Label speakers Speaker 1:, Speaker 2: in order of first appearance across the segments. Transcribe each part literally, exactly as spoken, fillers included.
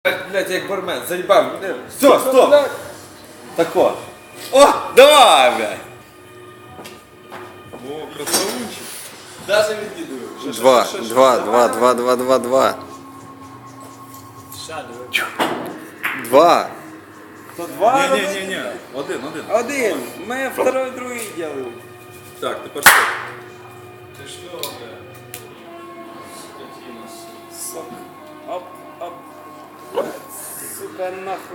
Speaker 1: Блять, як бармен, заїбав. Все, стоп! Тако. О, давай, блядь!
Speaker 2: О, красавунчик.
Speaker 1: Даже відкидую.
Speaker 3: Два, два, два, два, два, два, два. Два.
Speaker 1: То два
Speaker 2: Ні, ні, ні, ні. Один, один.
Speaker 1: Один. Ми второй, другий делаем.
Speaker 2: Так, тепер що?
Speaker 1: Ти що, блядь? Сок. Оп, оп. Сука, нахуй.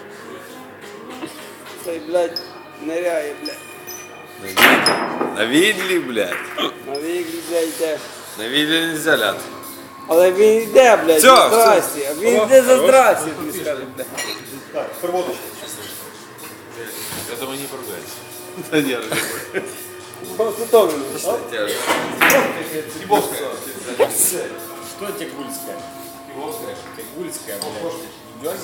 Speaker 1: Цей, блядь, ныряє, блядь.
Speaker 3: На відлі, блядь.
Speaker 1: На віглі, блядь, йде.
Speaker 3: На відлі нельзя ляти.
Speaker 1: Але він йде, блядь,
Speaker 3: Всё,
Speaker 1: за здрасті. А він йде за здрасті, тобі скажу, блядь.
Speaker 2: Так, тепер водочку.
Speaker 3: Я думаю, не поругайся.
Speaker 2: Та ні,
Speaker 1: Готовлено.
Speaker 4: Что тягульская? Тягульская, блядь.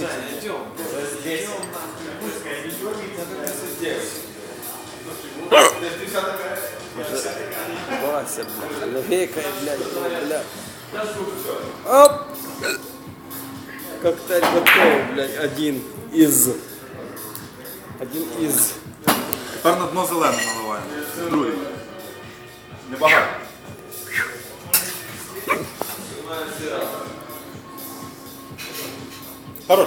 Speaker 1: Вася, блядь, легекай, блядь, блядь. Оп! Коктейль готов, блядь, один из. Один из.
Speaker 2: Тепер на дно зелене наливаємо. Другий. Небагато. Хорош.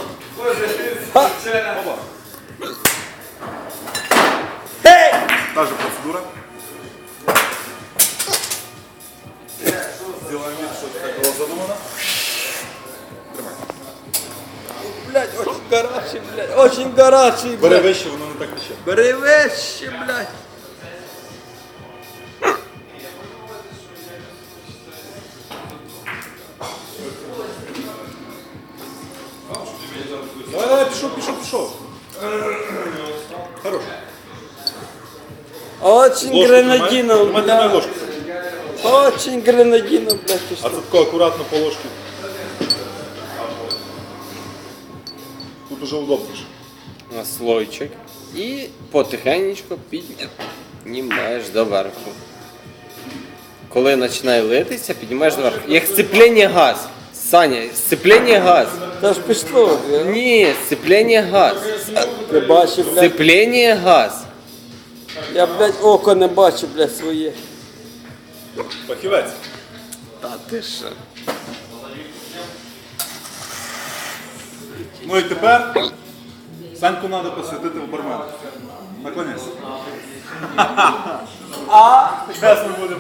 Speaker 1: Ей!
Speaker 2: Та же процедура. Сделаем вид, что это так было задумано.
Speaker 1: Блядь, очень горячий, блядь, очень горячий,
Speaker 2: Бери
Speaker 1: блядь.
Speaker 2: вище, воно не так тече.
Speaker 1: Бери вещи, блядь.
Speaker 2: Давай, давай, пішов, пішов, пішов. Хорош.
Speaker 1: Очень
Speaker 2: Ложку
Speaker 1: гренадинов,
Speaker 2: тримай, тримай
Speaker 1: блядь.
Speaker 2: ложку.
Speaker 1: Очень гренадинов, блядь, ты
Speaker 2: А
Speaker 1: что?
Speaker 2: це тако акуратно по ложці. Тут уже удобніше.
Speaker 3: На слойчик. І потихенечку піднімаєш доверху. Коли починає литися, піднімаєш доверху. Як сцеплення газ. Саня, сцеплення газ.
Speaker 1: Та ж пішло, блядь.
Speaker 3: Ні, сцеплення газ.
Speaker 1: Ти бачив, блядь.
Speaker 3: Сцеплення газ.
Speaker 1: Я, блядь, око не бачу, блядь, своє.
Speaker 2: Фахівець.
Speaker 3: Та ти що?
Speaker 2: Ну і тепер Саньку треба посвятити в бармен. Наконець.
Speaker 1: А?
Speaker 2: Зараз ми будемо.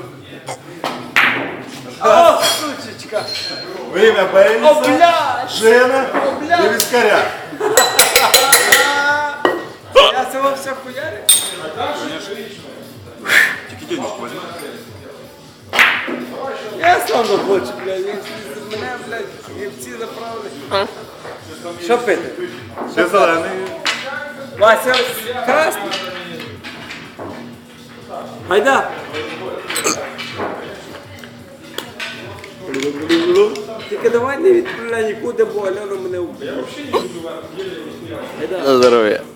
Speaker 1: О, сучечка.
Speaker 2: Вим'я
Speaker 1: О,
Speaker 2: Бейліса,
Speaker 1: блядь.
Speaker 2: Жена і віскаря.
Speaker 1: Я цього все хуярю?
Speaker 2: Тільки денежку возьми.
Speaker 1: Я сам не хочу, блядь. Мене, блядь, гівці заправили. Що пити?
Speaker 2: Ще зелений.
Speaker 1: Вася, красний. Гайда. Тільки давай не відправляй нікуди, бо Альона мене вб'є. Гайда.
Speaker 3: На здоров'я.